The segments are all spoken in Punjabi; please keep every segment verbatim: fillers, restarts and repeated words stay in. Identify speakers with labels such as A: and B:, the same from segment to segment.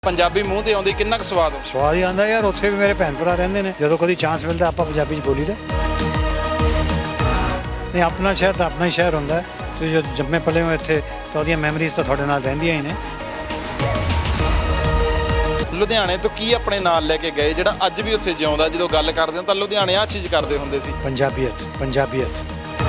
A: ਪੰਜਾਬੀ ਮੂੰਹ ਤੇ ਆਉਂਦੀ ਕਿੰਨਾ ਕੁ ਸਵਾਦ ਹੁੰਦਾ।
B: ਸਵਾਦ ਹੀ ਆਉਂਦਾ ਯਾਰ। ਉੱਥੇ ਵੀ ਮੇਰੇ ਭੈਣ ਭਰਾ ਰਹਿੰਦੇ ਨੇ, ਜਦੋਂ ਕਦੀ ਚਾਂਸ ਮਿਲਦਾ ਆਪਾਂ ਪੰਜਾਬੀ 'ਚ ਬੋਲੀ ਦਾ। ਨਹੀਂ, ਆਪਣਾ ਸ਼ਹਿਰ ਤਾਂ ਆਪਣਾ ਹੀ ਸ਼ਹਿਰ ਹੁੰਦਾ ਹੈ। ਤੁਸੀਂ ਜੋ ਜੰਮੇ ਪਲੇ ਹੋ ਇੱਥੇ ਤਾਂ ਉਹਦੀਆਂ ਮੈਮਰੀਜ਼ ਤਾਂ ਤੁਹਾਡੇ ਨਾਲ ਰਹਿੰਦੀਆਂ ਹੀ ਨੇ।
A: ਲੁਧਿਆਣੇ ਤੋਂ ਕੀ ਆਪਣੇ ਨਾਲ ਲੈ ਕੇ ਗਏ ਜਿਹੜਾ ਅੱਜ ਵੀ ਉੱਥੇ ਜਿਉਂਦਾ? ਜਦੋਂ ਗੱਲ ਕਰਦੇ ਹਾਂ ਤਾਂ ਲੁਧਿਆਣੇ ਆਹ ਚੀਜ਼ ਕਰਦੇ ਹੁੰਦੇ ਸੀ।
B: ਪੰਜਾਬੀਅਤ ਪੰਜਾਬੀਅਤ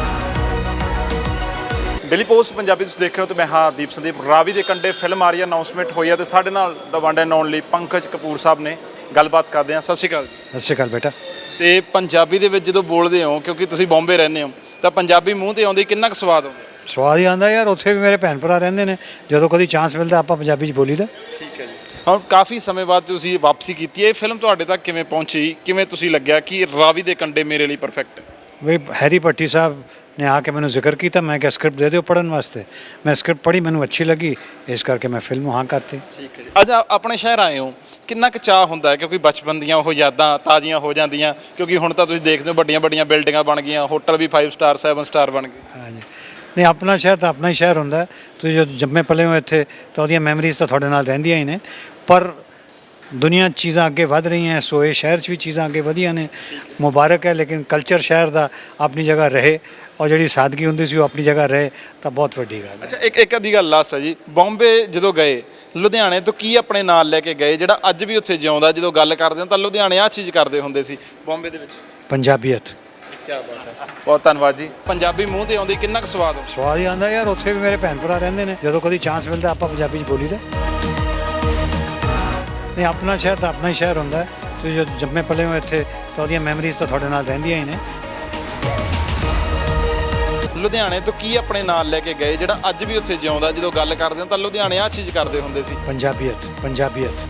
A: ਡੇਲੀ ਪੋਸਟ ਪੰਜਾਬੀ ਤੁਸੀਂ ਦੇਖ ਰਹੇ ਹੋ ਤੇ ਮੈਂ ਹਾਂ ਦੀਪ ਸੰਦੀਪ। ਰਾਵੀ ਦੇ ਕੰਢੇ ਫਿਲਮ ਆ ਰਹੀ ਹੈ, ਅਨਾਉਂਸਮੈਂਟ ਹੋਈ ਹੈ ਤੇ ਸਾਡੇ ਨਾਲ ਦਾ one and only Pankaj Kapoor sahib ਨੇ। ਗੱਲਬਾਤ ਕਰਦੇ ਹਾਂ। ਸਤਿ ਸ਼੍ਰੀ ਅਕਾਲ।
B: ਸਤਿ ਸ਼੍ਰੀ ਅਕਾਲ ਬੇਟਾ।
A: ਤੇ ਪੰਜਾਬੀ ਦੇ ਵਿੱਚ ਜਦੋਂ ਬੋਲਦੇ ਹੋ, ਕਿਉਂਕਿ ਤੁਸੀਂ ਬੰਬੇ ਰਹਿੰਦੇ ਹੋ, ਤਾਂ ਪੰਜਾਬੀ ਮੂੰਹ ਤੇ ਆਉਂਦੀ ਕਿੰਨਾ ਕੁ ਸਵਾਦ ਆਉਂਦਾ?
B: ਸਵਾਦ ਹੀ ਆਉਂਦਾ ਯਾਰ। ਉੱਥੇ ਵੀ ਮੇਰੇ ਭੈਣ ਭਰਾ ਰਹਿੰਦੇ ਨੇ, ਜਦੋਂ ਕਦੀ ਚਾਂਸ ਮਿਲਦਾ ਆਪਾਂ ਪੰਜਾਬੀ 'ਚ ਬੋਲੀ ਦਾ।
A: ਠੀਕ ਹੈ ਜੀ। ਹੁਣ ਕਾਫੀ ਸਮੇਂ ਬਾਅਦ ਤੁਸੀਂ ਵਾਪਸੀ ਕੀਤੀ ਹੈ, ਇਹ ਫਿਲਮ ਤੁਹਾਡੇ ਤੱਕ ਕਿਵੇਂ ਪਹੁੰਚੀ? ਕਿਵੇਂ ਤੁਸੀਂ ਲੱਗਿਆ ਕਿ ਰਾਵੀ ਦੇ ਕੰਢੇ ਮੇਰੇ ਲਈ ਪਰਫੈਕਟ ਹੈ?
B: ਵੀ ਹੈਰੀ ਭੱਟੀ ਸਾਹਿਬ ਨੇ ਆ ਕੇ ਮੈਨੂੰ ਜ਼ਿਕਰ ਕੀਤਾ, ਮੈਂ ਕਿਹਾ ਸਕ੍ਰਿਪਟ ਦੇ ਦਿਓ ਪੜ੍ਹਨ ਵਾਸਤੇ। ਮੈਂ ਸਕ੍ਰਿਪਟ ਪੜ੍ਹੀ, ਮੈਨੂੰ ਅੱਛੀ ਲੱਗੀ, ਇਸ ਕਰਕੇ ਮੈਂ ਫਿਲਮ ਹਾਂ ਕਰਤੀ।
A: ਠੀਕ ਹੈ ਜੀ। ਅੱਜ ਆ- ਆਪਣੇ ਸ਼ਹਿਰ ਆਏ ਹੋ, ਕਿੰਨਾ ਕੁ ਚਾਅ ਹੁੰਦਾ ਹੈ? ਕਿਉਂਕਿ ਬਚਪਨ ਦੀਆਂ ਉਹ ਯਾਦਾਂ ਤਾਜ਼ੀਆਂ ਹੋ ਜਾਂਦੀਆਂ, ਕਿਉਂਕਿ ਹੁਣ ਤਾਂ ਤੁਸੀਂ ਦੇਖਦੇ ਹੋ ਵੱਡੀਆਂ ਵੱਡੀਆਂ ਬਿਲਡਿੰਗਾਂ ਬਣ ਗਈਆਂ, ਹੋਟਲ ਵੀ ਫਾਈਵ ਸਟਾਰ ਸੈਵਨ ਸਟਾਰ ਬਣ ਗਏ।
B: ਹਾਂਜੀ, ਨਹੀਂ, ਆਪਣਾ ਸ਼ਹਿਰ ਤਾਂ ਆਪਣਾ ਹੀ ਸ਼ਹਿਰ ਹੁੰਦਾ ਹੈ। ਤੁਸੀਂ ਜੋ ਜੰਮੇ ਪਲੇ ਹੋ ਇੱਥੇ ਤਾਂ ਉਹਦੀਆਂ ਮੈਮਰੀਜ਼ ਤਾਂ ਤੁਹਾਡੇ ਨਾਲ ਰਹਿੰਦੀਆਂ ਹੀ ਨੇ। ਪਰ ਦੁਨੀਆ 'ਚ ਚੀਜ਼ਾਂ ਅੱਗੇ ਵੱਧ ਰਹੀਆਂ, ਸੋ ਇਹ ਸ਼ਹਿਰ 'ਚ ਵੀ ਚੀਜ਼ਾਂ ਅੱਗੇ ਵਧੀਆਂ ਨੇ। ਮੁਬਾਰਕ ਹੈ, ਲੇਕਿਨ ਕਲਚਰ ਸ਼ਹਿਰ ਦਾ ਆਪਣੀ ਜਗ੍ਹਾ ਰਹੇ ਔਰ ਜਿਹੜੀ ਸਾਦਗੀ ਹੁੰਦੀ ਸੀ ਉਹ ਆਪਣੀ ਜਗ੍ਹਾ ਰਹੇ ਤਾਂ ਬਹੁਤ ਵੱਡੀ ਗੱਲ ਹੈ।
A: ਅੱਛਾ, ਇੱਕ ਇੱਕ ਅੱਧੀ ਗੱਲ ਲਾਸਟ ਹੈ ਜੀ। ਬੰਬੇ ਜਦੋਂ ਗਏ, ਲੁਧਿਆਣੇ ਤੋਂ ਕੀ ਆਪਣੇ ਨਾਲ ਲੈ ਕੇ ਗਏ ਜਿਹੜਾ ਅੱਜ ਵੀ ਉੱਥੇ ਜਿਉਂਦਾ? ਜਦੋਂ ਗੱਲ ਕਰਦੇ ਹਾਂ ਤਾਂ ਲੁਧਿਆਣੇ ਆਹ ਚੀਜ਼ ਕਰਦੇ ਹੁੰਦੇ ਸੀ ਬੰਬੇ ਦੇ ਵਿੱਚ।
B: ਪੰਜਾਬੀਅਤ
A: ਕੀ ਬਾਤ ਹੈ, ਬਹੁਤ ਧੰਨਵਾਦ ਜੀ। ਪੰਜਾਬੀ ਮੂੰਹ ਤੇ ਆਉਂਦੀ ਕਿੰਨਾ ਕੁ ਸਵਾਦ ਹੁੰਦਾ?
B: ਸਵਾਦ ਹੀ ਆਉਂਦਾ ਯਾਰ। ਉੱਥੇ ਵੀ ਮੇਰੇ ਭੈਣ ਭਰਾ ਰਹਿੰਦੇ ਨੇ, ਜਦੋਂ ਕਦੀ ਚਾਂਸ ਮਿਲਦਾ ਆਪਾਂ ਪੰਜਾਬੀ 'ਚ ਬੋਲੀ ਦਾ। ਨਹੀਂ, ਆਪਣਾ ਸ਼ਹਿਰ ਤਾਂ ਆਪਣਾ ਹੀ ਸ਼ਹਿਰ ਹੁੰਦਾ ਹੈ। ਤੁਸੀਂ ਜੋ ਜੰਮੇ ਪਲੇ ਹੋ ਇੱਥੇ ਤਾਂ ਉਹਦੀਆਂ ਮੈਮਰੀਜ਼ ਤਾਂ ਤੁਹਾਡੇ ਨਾਲ ਰਹਿੰਦੀਆਂ ਹੀ ਨੇ।
A: ਲੁਧਿਆਣੇ ਤੋਂ ਕੀ ਆਪਣੇ ਨਾਲ ਲੈ ਕੇ ਗਏ ਜਿਹੜਾ ਅੱਜ ਵੀ ਉੱਥੇ ਜਿਉਂਦਾ? ਜਦੋਂ ਗੱਲ ਕਰਦੇ ਹਾਂ ਤਾਂ ਲੁਧਿਆਣੇ ਆਹ ਚੀਜ਼ ਕਰਦੇ ਹੁੰਦੇ ਸੀ।
B: ਪੰਜਾਬੀਅਤ ਪੰਜਾਬੀਅਤ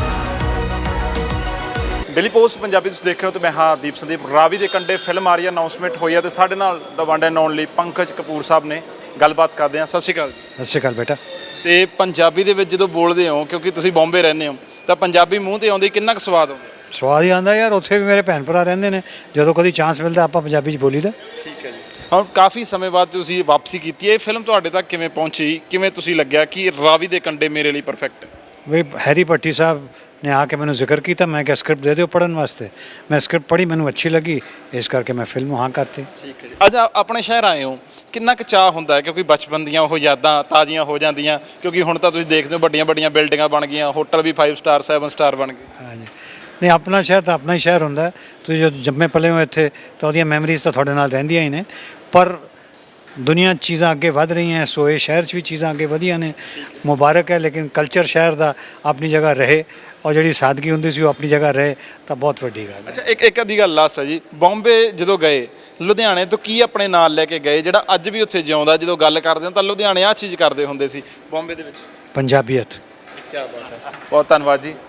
A: ਡੇਲੀ ਪੋਸਟ ਪੰਜਾਬੀ ਤੁਸੀਂ ਦੇਖ ਰਹੇ ਹੋ ਤੇ ਮੈਂ ਹਾਂ ਦੀਪ ਸੰਦੀਪ। ਰਾਵੀ ਦੇ ਕੰਢੇ ਫਿਲਮ ਆ ਰਹੀ ਹੈ, ਅਨਾਉਂਸਮੈਂਟ ਹੋਈ ਹੈ ਤੇ ਸਾਡੇ ਨਾਲ ਦਾ one and only Pankaj Kapoor sahib ਨੇ। ਗੱਲਬਾਤ ਕਰਦੇ ਹਾਂ। ਸਤਿ ਸ਼੍ਰੀ ਅਕਾਲ।
B: ਸਤਿ ਸ਼੍ਰੀ ਅਕਾਲ ਬੇਟਾ।
A: ਤੇ ਪੰਜਾਬੀ ਦੇ ਵਿੱਚ ਜਦੋਂ ਬੋਲਦੇ ਹੋ, ਕਿਉਂਕਿ ਤੁਸੀਂ ਬੰਬੇ ਰਹਿੰਦੇ ਹੋ, ਤਾਂ ਪੰਜਾਬੀ ਮੂੰਹ ਤੇ ਆਉਂਦੀ ਕਿੰਨਾ ਕੁ ਸਵਾਦ ਆਉਂਦਾ?
B: ਸਵਾਦ ਹੀ ਆਉਂਦਾ ਯਾਰ। ਉੱਥੇ ਵੀ ਮੇਰੇ ਭੈਣ ਭਰਾ ਰਹਿੰਦੇ ਨੇ, ਜਦੋਂ ਕਦੀ ਚਾਂਸ ਮਿਲਦਾ ਆਪਾਂ ਪੰਜਾਬੀ 'ਚ ਬੋਲੀ ਦਾ।
A: ਠੀਕ ਹੈ ਜੀ। ਹੁਣ ਕਾਫੀ ਸਮੇਂ ਬਾਅਦ ਤੁਸੀਂ ਵਾਪਸੀ ਕੀਤੀ ਹੈ, ਇਹ ਫਿਲਮ ਤੁਹਾਡੇ ਤੱਕ ਕਿਵੇਂ ਪਹੁੰਚੀ? ਕਿਵੇਂ ਤੁਸੀਂ ਲੱਗਿਆ ਕਿ ਰਾਵੀ ਦੇ ਕੰਢੇ ਮੇਰੇ ਲਈ ਪਰਫੈਕਟ ਹੈ?
B: ਵੀ ਹੈਰੀ ਭੱਟੀ ਸਾਹਿਬ ਨੇ ਆ ਕੇ ਮੈਨੂੰ ਜ਼ਿਕਰ ਕੀਤਾ, ਮੈਂ ਕਿਹਾ ਸਕ੍ਰਿਪਟ ਦੇ ਦਿਓ ਪੜ੍ਹਨ ਵਾਸਤੇ। ਮੈਂ ਸਕ੍ਰਿਪਟ ਪੜ੍ਹੀ, ਮੈਨੂੰ ਅੱਛੀ ਲੱਗੀ, ਇਸ ਕਰਕੇ ਮੈਂ ਫਿਲਮ ਹਾਂ ਕਰਤੀ।
A: ਠੀਕ ਹੈ ਜੀ। ਅੱਜ ਆ- ਆਪਣੇ ਸ਼ਹਿਰ ਆਏ ਹੋ, ਕਿੰਨਾ ਕੁ ਚਾਅ ਹੁੰਦਾ ਹੈ? ਕਿਉਂਕਿ ਬਚਪਨ ਦੀਆਂ ਉਹ ਯਾਦਾਂ ਤਾਜ਼ੀਆਂ ਹੋ ਜਾਂਦੀਆਂ, ਕਿਉਂਕਿ ਹੁਣ ਤਾਂ ਤੁਸੀਂ ਦੇਖਦੇ ਹੋ ਵੱਡੀਆਂ ਵੱਡੀਆਂ ਬਿਲਡਿੰਗਾਂ ਬਣ ਗਈਆਂ, ਹੋਟਲ ਵੀ ਫਾਈਵ ਸਟਾਰ ਸੈਵਨ ਸਟਾਰ ਬਣ ਗਏ।
B: ਹਾਂਜੀ, ਨਹੀਂ, ਆਪਣਾ ਸ਼ਹਿਰ ਤਾਂ ਆਪਣਾ ਹੀ ਸ਼ਹਿਰ ਹੁੰਦਾ ਹੈ। ਤੁਸੀਂ ਜੋ ਜੰਮੇ ਪਲੇ ਹੋ ਇੱਥੇ ਤਾਂ ਉਹਦੀਆਂ ਮੈਮਰੀਜ਼ ਤਾਂ ਤੁਹਾਡੇ ਨਾਲ ਰਹਿੰਦੀਆਂ ਹੀ ਨੇ। ਪਰ ਦੁਨੀਆ 'ਚ ਚੀਜ਼ਾਂ ਅੱਗੇ ਵੱਧ ਰਹੀਆਂ, ਸੋ ਇਹ ਸ਼ਹਿਰ 'ਚ ਵੀ ਚੀਜ਼ਾਂ ਅੱਗੇ ਵਧੀਆਂ ਨੇ। ਮੁਬਾਰਕ ਹੈ, ਲੇਕਿਨ ਕਲਚਰ ਸ਼ਹਿਰ ਦਾ ਆਪਣੀ ਜਗ੍ਹਾ ਰਹੇ ਔਰ ਜਿਹੜੀ ਸਾਦਗੀ ਹੁੰਦੀ ਸੀ ਉਹ ਆਪਣੀ ਜਗ੍ਹਾ ਰਹੇ ਤਾਂ ਬਹੁਤ ਵੱਡੀ ਗੱਲ ਹੈ।
A: ਅੱਛਾ, ਇੱਕ ਇੱਕ ਅੱਧੀ ਗੱਲ ਲਾਸਟ ਹੈ ਜੀ। ਬੰਬੇ ਜਦੋਂ ਗਏ, ਲੁਧਿਆਣੇ ਤੋਂ ਕੀ ਆਪਣੇ ਨਾਲ ਲੈ ਕੇ ਗਏ ਜਿਹੜਾ ਅੱਜ ਵੀ ਉੱਥੇ ਜਿਉਂਦਾ? ਜਦੋਂ ਗੱਲ ਕਰਦੇ ਹਾਂ ਤਾਂ ਲੁਧਿਆਣੇ ਆਹ ਚੀਜ਼ ਕਰਦੇ ਹੁੰਦੇ ਸੀ ਬੰਬੇ ਦੇ ਵਿੱਚ।
B: ਪੰਜਾਬੀਅਤ
A: ਕੀ ਬਾਤ ਹੈ, ਬਹੁਤ ਧੰਨਵਾਦ ਜੀ।